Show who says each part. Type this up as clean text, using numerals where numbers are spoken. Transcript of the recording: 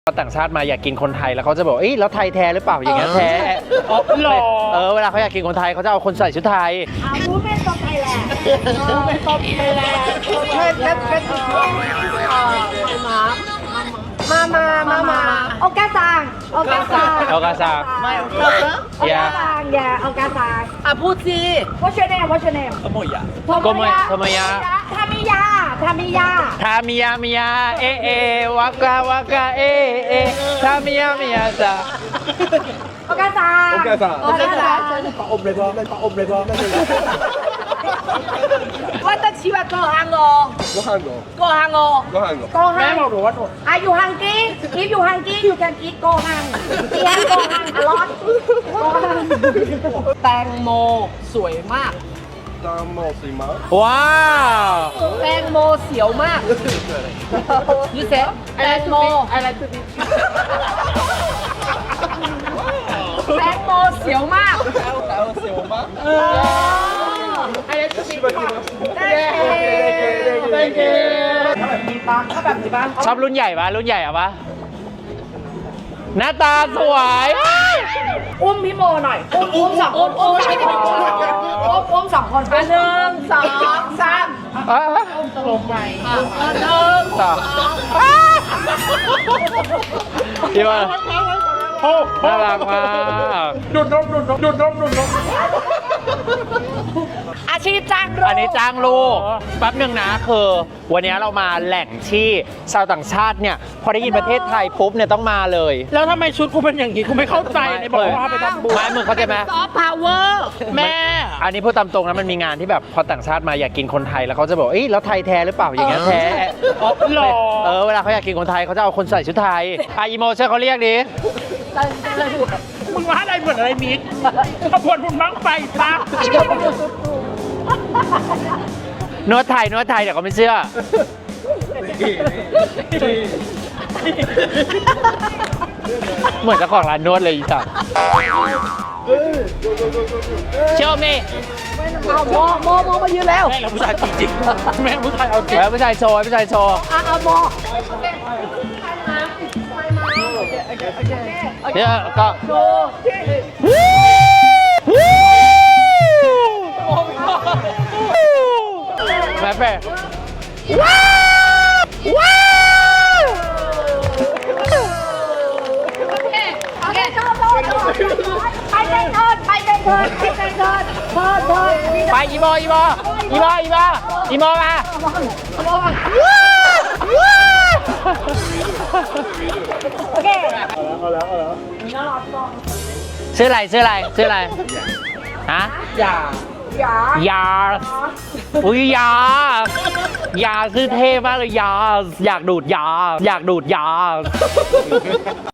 Speaker 1: ต่างชาติมาอยากกินคนไทยแล้วเขาจะบอกเอ้ยแล้วไทยแท้หรือเปล่าอย่างเงี้ยแท้หรอเวลาเขาอยากกินคนไทยเขาจะเอาคนใส่ชุดไทย
Speaker 2: มูเมนต์ไทยแลนด์มูเมนต์ไทยแลนด์มาโอกาซัง
Speaker 1: โอกาซัง
Speaker 2: โอกาซังโอกาซัง
Speaker 3: พูดสิ
Speaker 2: What's your name What's your name
Speaker 1: โกโมยะ
Speaker 2: ทามิยา
Speaker 1: เอวากาวาเอทามิยาซา
Speaker 2: โอกาซัง
Speaker 3: ปะอมเลยพอว่าตะชีวะก็ฮังโกแม่บอกหนูว่าหนู
Speaker 2: Are you hungry If you hungry you can eat โกฮังa lot
Speaker 3: แตงโมสวยมาก
Speaker 1: ว้าว
Speaker 3: แตงโมเสียวมากยูเซแตงโมอะไรตัวนี้แตงโมเสียวมากอะไรตัวนี้
Speaker 1: ชอบรุ่นใหญ่ปะรุ่นใหญ่อะปะหน้าตาสวย
Speaker 2: อุ้มพี่โมหน่อยอุ้มสองคนอุ้มสองคน
Speaker 3: 1 2 3
Speaker 2: ลงไป
Speaker 1: ต่อพี่ว่าน่ารักมาก
Speaker 3: ดูดนม
Speaker 2: อาชีพจ้างลูก
Speaker 1: อันนี้จ้างลูกแป๊บหนึ่งนะคือวันนี้เรามาแหล่งที่ชาวต่างชาติเนี่ยพอได้ยินประเทศไทยปุ๊บเนี่ยต้องมาเลย
Speaker 3: แล้วทำไมชุดกูเป็นอย่างนี้กูไม่เข้าใจในบอกว่าไปทำบุญ
Speaker 1: ไม่มึงเข้าใจไหม
Speaker 3: ซอฟต์พาวเวอร์แม่
Speaker 1: อันนี้พูดตามตรงนะมันมีงานที่แบบพอต่างชาติมาอยากกินคนไทยแล้วเขาจะบอกเอ้ยแล้วไทยแท้หรือเปล่าอย่างเงี้ยแท้
Speaker 3: หรอ
Speaker 1: เวลาเขาอยากกินคนไทยเขาจะเอาคนใส่ชุดไทยอีโมเช่เขาเรียกดิ
Speaker 3: มึงว่าอะไรเหมือนอะไรมิกขบวนบุญบั้งไฟปะ
Speaker 1: นวดไทยเดี๋ยวเขาไม่เชื่อเหมือนเจ้าของร้านนวดเลยอีสัตว์เชื่อไหม
Speaker 2: โมมายืนแล้ว
Speaker 3: แม่เราผู้ชายจริงแม่ผู้ชายเอาจริง
Speaker 1: แล้วผู้ชายโชว์
Speaker 2: โม
Speaker 1: เนี่ยก็แม่เป้ว้าวไปอีโมมา
Speaker 2: โอเค
Speaker 3: เอาแล้ว
Speaker 1: ชื่ออะไรฮะยาอุ้ยยาชื่อเท่มากเลยยาอยากดูดยา